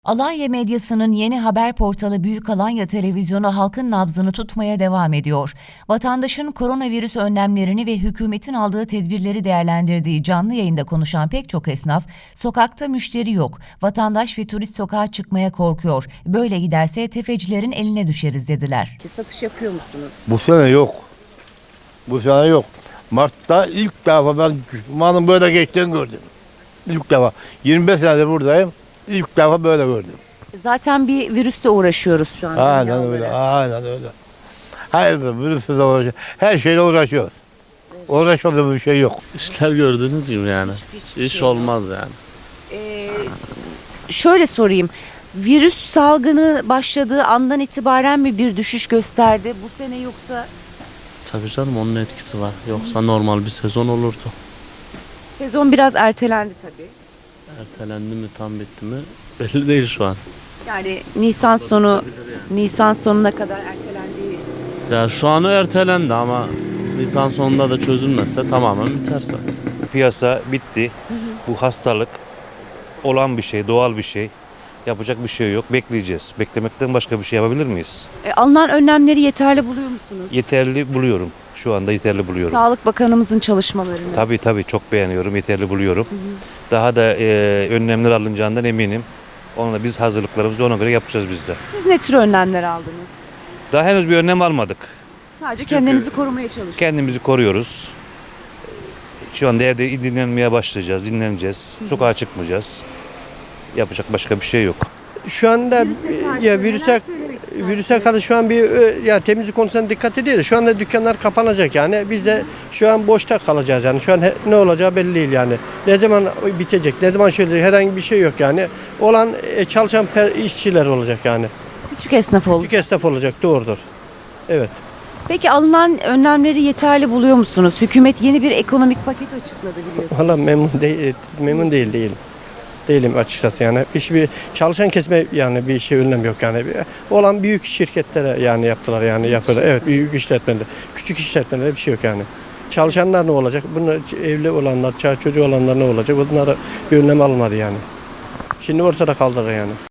Alanya medyasının yeni haber portalı Büyük Alanya Televizyonu halkın nabzını tutmaya devam ediyor. Vatandaşın koronavirüs önlemlerini ve hükümetin aldığı tedbirleri değerlendirdiği canlı yayında konuşan pek çok esnaf, sokakta müşteri yok, vatandaş ve turist sokağa çıkmaya korkuyor. Böyle giderse tefecilerin eline düşeriz dediler. Satış yapıyor musunuz? Bu sene yok. Bu sene yok. Mart'ta ilk defa ben düşmanın böyle geçtiğini gördüm. İlk defa. 25 senedir buradayım. İlk defa böyle gördüm. Zaten bir virüsle uğraşıyoruz şu an. Aynen dünya öyle. olarak. Aynen öyle. Hayır, virüsle de uğraşıyoruz. Her şeyle uğraşıyoruz. Uğraşmadığımız bir şey yok. İşler gördüğünüz gibi yani. Hiçbir İş şey yok. olmaz yani. Şöyle sorayım. Virüs salgını başladığı andan itibaren mi bir düşüş gösterdi bu sene yoksa Tabii canım onun etkisi var. Yoksa normal bir sezon olurdu. sezon biraz ertelendi tabii. Ertelendi mi tam bitti mi belli değil şu an. Yani Nisan sonuna kadar ertelendiği. Ya şu an o ertelendi ama Nisan sonunda da çözülmezse tamamen biterse. Piyasa bitti. Bu hastalık olan bir şey, doğal bir şey. Yapacak bir şey yok. Bekleyeceğiz. Beklemekten başka bir şey yapabilir miyiz? Alınan önlemleri yeterli buluyor musunuz? Yeterli buluyorum. Şu anda yeterli buluyorum. Sağlık Bakanımızın çalışmalarını. Tabii çok beğeniyorum. Yeterli buluyorum. Daha da önlemler alınacağından eminim. Onunla biz hazırlıklarımızı ona göre yapacağız biz de. Siz ne tür önlemler aldınız? Daha henüz bir önlem almadık. Sadece kendinizi korumaya çalışıyorsunuz. Kendimizi koruyoruz. Şu anda evde dinlenmeye başlayacağız, dinleneceğiz. Sokağa çıkmayacağız. Yapacak başka bir şey yok. Şu anda virüse karşı şu an ya temizlik konusuna dikkat ediyoruz. Şu anda dükkanlar kapanacak yani. Biz de şu an boşta kalacağız yani. Şu an ne olacağı belli değil yani. Ne zaman bitecek, ne zaman şöyle herhangi bir şey yok yani. Olan çalışan işçiler olacak yani. Küçük esnaf oldu. Küçük esnaf olacak, doğrudur. Evet. Peki alınan önlemleri yeterli buluyor musunuz? Hükümet yeni bir ekonomik paket açıkladı biliyorsunuz. Valla memnun değilim. Değilim açıkçası yani. Hiçbir çalışan kesme yani bir şey önlem yok yani. Olan büyük şirketlere yani yaptılar yani yapıyorlar. Evet, büyük işletmeler. Küçük işletmelerde bir şey yok yani. Çalışanlar ne olacak? Bunlar evli olanlar, çocuğu olanlar ne olacak? Bunlara bir önlem almadı yani. Şimdi ortada kaldılar yani.